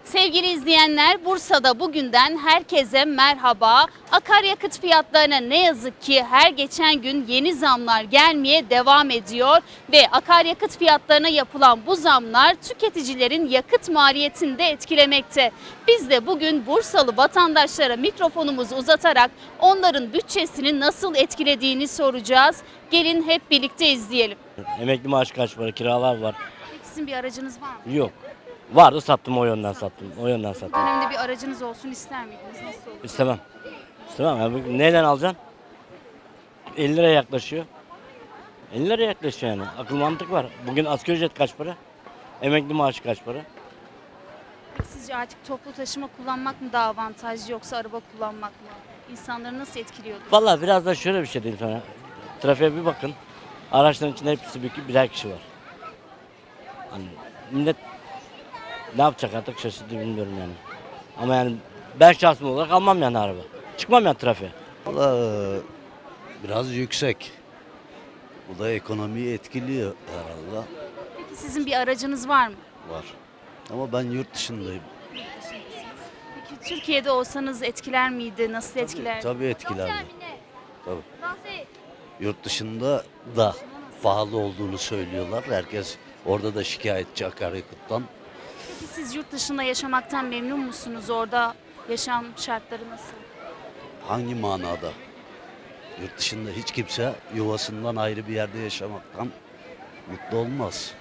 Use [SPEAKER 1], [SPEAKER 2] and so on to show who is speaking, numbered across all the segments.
[SPEAKER 1] Sevgili izleyenler, Bursa'da bugünden herkese merhaba. Akaryakıt fiyatlarına ne yazık ki her geçen gün yeni zamlar gelmeye devam ediyor ve akaryakıt fiyatlarına yapılan bu zamlar tüketicilerin yakıt maliyetini de etkilemekte. Biz de bugün Bursalı vatandaşlara mikrofonumuzu uzatarak onların bütçesini nasıl etkilediğini soracağız. Gelin hep birlikte izleyelim.
[SPEAKER 2] Emekli maaşı kaç para, kiralar var.
[SPEAKER 1] Peki sizin bir aracınız var mı?
[SPEAKER 2] Yok. Vardı sattım, o yönden sattım. O yönden
[SPEAKER 1] Bu
[SPEAKER 2] sattım.
[SPEAKER 1] dönemde bir aracınız olsun ister miydiniz? Nasıl olur?
[SPEAKER 2] İstemem. İstemem. Yani neyden alacaksın? 50 liraya yaklaşıyor. 50 liraya yaklaşıyor yani. Akıl mantık var. Bugün asgari ücret kaç para? Emekli maaşı kaç para?
[SPEAKER 1] Sizce artık toplu taşıma kullanmak mı daha avantajlı yoksa araba kullanmak mı? İnsanları nasıl etkiliyordu?
[SPEAKER 2] Vallahi biraz da şöyle bir şey diyeyim sana. Trafiğe bir bakın. Araçların içinde hepsi birer kişi var. Hani millet ne yapacak artık şaşırdı bilmiyorum yani. Ama yani ben şahsım olarak almam yani araba. Çıkmam yani trafiğe.
[SPEAKER 3] Vallahi biraz yüksek. Bu da ekonomiyi etkiliyor herhalde.
[SPEAKER 1] Peki sizin bir aracınız var mı?
[SPEAKER 3] Var. Ama ben yurt dışındayım.
[SPEAKER 1] Peki Türkiye'de olsanız etkiler miydi? Nasıl etkiler?
[SPEAKER 3] Tabii etkilerdi. Tabii. Yurt dışında da pahalı olduğunu söylüyorlar. Herkes orada da şikayetçi akaryakıttan.
[SPEAKER 1] Peki siz yurt dışında yaşamaktan memnun musunuz? Orada yaşam şartları nasıl?
[SPEAKER 3] Hangi manada? Yurt dışında hiç kimse yuvasından ayrı bir yerde yaşamaktan mutlu olmaz.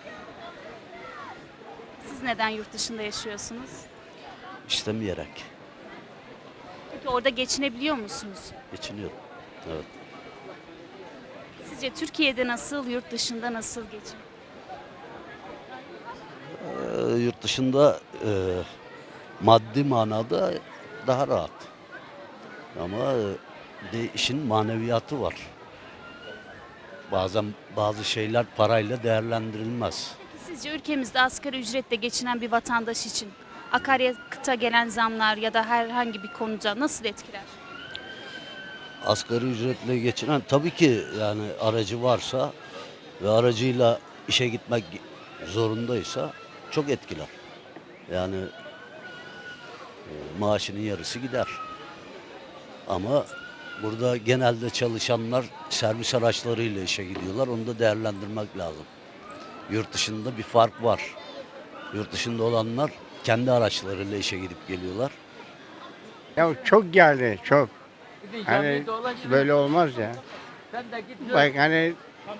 [SPEAKER 1] Siz neden yurt dışında yaşıyorsunuz?
[SPEAKER 3] İstemeyerek
[SPEAKER 1] Peki orada geçinebiliyor musunuz?
[SPEAKER 3] geçiniyor. Evet.
[SPEAKER 1] Sizce Türkiye'de nasıl, yurt dışında nasıl geçin?
[SPEAKER 3] Yurt dışında maddi manada daha rahat. Ama de işin maneviyatı var. Bazen bazı şeyler parayla değerlendirilmez.
[SPEAKER 1] Peki sizce ülkemizde asgari ücretle geçinen bir vatandaş için akaryakıta gelen zamlar ya da herhangi bir konuda nasıl etkiler?
[SPEAKER 3] Asgari ücretle geçinen tabii ki yani aracı varsa ve aracıyla işe gitmek zorundaysa çok etkiler. Yani maaşının yarısı gider. Ama burada genelde çalışanlar servis araçlarıyla işe gidiyorlar. Onu da değerlendirmek lazım. Yurt dışında bir fark var. Yurt dışında olanlar kendi araçlarıyla işe gidip geliyorlar.
[SPEAKER 4] Ya çok geldi çok. Hani böyle olmaz ya. Bak hani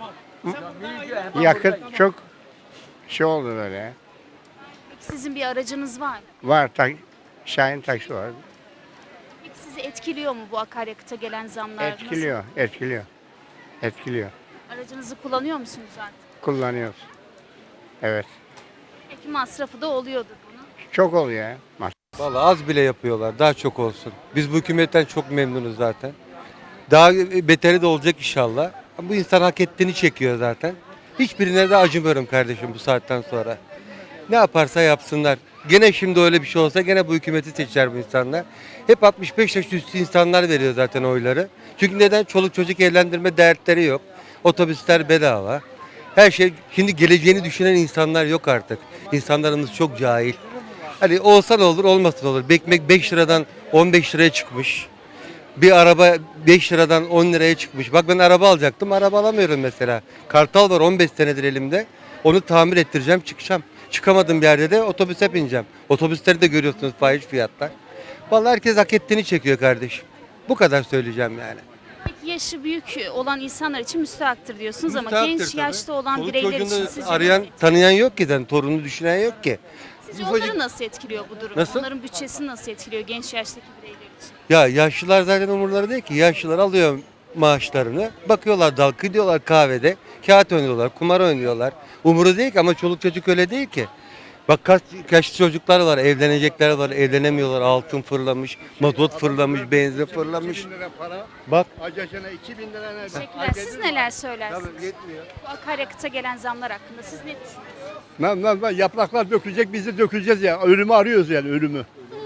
[SPEAKER 4] yakıt çok şey oldu böyle.
[SPEAKER 1] Peki sizin bir aracınız var mı?
[SPEAKER 4] Var Şahin taksi var.
[SPEAKER 1] Peki sizi etkiliyor mu bu akaryakıta gelen zamlar?
[SPEAKER 4] Etkiliyor, etkiliyor. Etkiliyor.
[SPEAKER 1] Aracınızı kullanıyor musunuz artık?
[SPEAKER 4] Kullanıyoruz. Evet.
[SPEAKER 1] Peki masrafı da oluyordur bunun.
[SPEAKER 4] Çok oluyor ya.
[SPEAKER 5] Vallahi az bile yapıyorlar. Daha çok olsun. Biz bu hükümetten çok memnunuz zaten. Daha beteri de olacak inşallah. Bu insan hak ettiğini çekiyor zaten. Hiçbirine de acımıyorum kardeşim bu saatten sonra. Ne yaparsa yapsınlar. Gene şimdi öyle bir şey olsa gene bu hükümeti seçer bu insanlar. Hep 65 yaş üstü insanlar veriyor zaten oyları. Çünkü neden? Çoluk çocuk evlendirme dertleri yok. Otobüsler bedava. Her şey, şimdi geleceğini düşünen insanlar yok artık. İnsanlarımız çok cahil. Hani olsa ne olur, olmasa ne olur. Ekmek 5 liradan 15 liraya çıkmış. Bir araba 5 liradan 10 liraya çıkmış. Bak ben araba alacaktım, araba alamıyorum mesela. Kartal var 15 senedir elimde. Onu tamir ettireceğim, çıkacağım. Çıkamadığım bir yerde de otobüse bineceğim. Otobüsleri de görüyorsunuz fahiş fiyatlar. Vallahi herkes hak ettiğini çekiyor kardeşim. Bu kadar söyleyeceğim yani.
[SPEAKER 1] Peki yaşı büyük olan insanlar için müstahaktır diyorsunuz ama
[SPEAKER 5] Müstahaktır
[SPEAKER 1] genç
[SPEAKER 5] tabii.
[SPEAKER 1] yaşta olan
[SPEAKER 5] Çoluk
[SPEAKER 1] bireyler
[SPEAKER 5] çocuğunu
[SPEAKER 1] için sizce
[SPEAKER 5] arayan,
[SPEAKER 1] nasıl
[SPEAKER 5] tanıyan yok ki, torununu düşünen yok ki.
[SPEAKER 1] Sizce onları nasıl etkiliyor bu durum?
[SPEAKER 5] Nasıl?
[SPEAKER 1] Onların bütçesini nasıl etkiliyor genç yaştaki bireyler için?
[SPEAKER 5] Ya yaşlılar zaten umurları değil ki. Yaşlılar alıyor maaşlarını. Bakıyorlar dalga gidiyorlar kahvede. Kağıt oynuyorlar, kumar oynuyorlar. Umuru değil ki ama çoluk çocuk öyle değil ki. Bak kaç yaşlı çocuklar var, evlenecekler var, evlenemiyorlar. Altın fırlamış, mazot fırlamış, benzin fırlamış.
[SPEAKER 4] 2000 lira para.
[SPEAKER 5] Bak
[SPEAKER 4] Acacana 2000 lira nerede?
[SPEAKER 1] Teşekkürler. Siz neler söylersiniz?
[SPEAKER 4] Tabii yetmiyor.
[SPEAKER 1] Bu akaryakıta gelen zamlar hakkında siz ne düşünüyorsunuz?
[SPEAKER 4] Yapraklar dökülecek, biz de döküleceğiz ya. Ölümü arıyoruz yani, ölümü.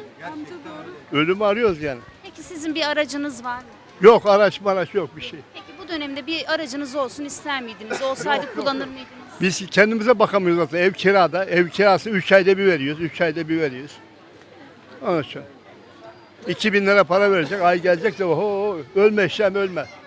[SPEAKER 4] Ölümü arıyoruz yani.
[SPEAKER 1] Peki sizin bir aracınız var mı?
[SPEAKER 4] Yok araç yok bir şey.
[SPEAKER 1] Peki bu dönemde bir aracınız olsun ister miydiniz? Olsaydı kullanır mıydınız?
[SPEAKER 4] Biz kendimize bakamıyoruz zaten. Ev kirada. Ev kirası 3 ayda bir veriyoruz. 3 ayda bir veriyoruz. Onun için. 2000 lira para verecek. Ay gelecekse oho ölme işlem ölme.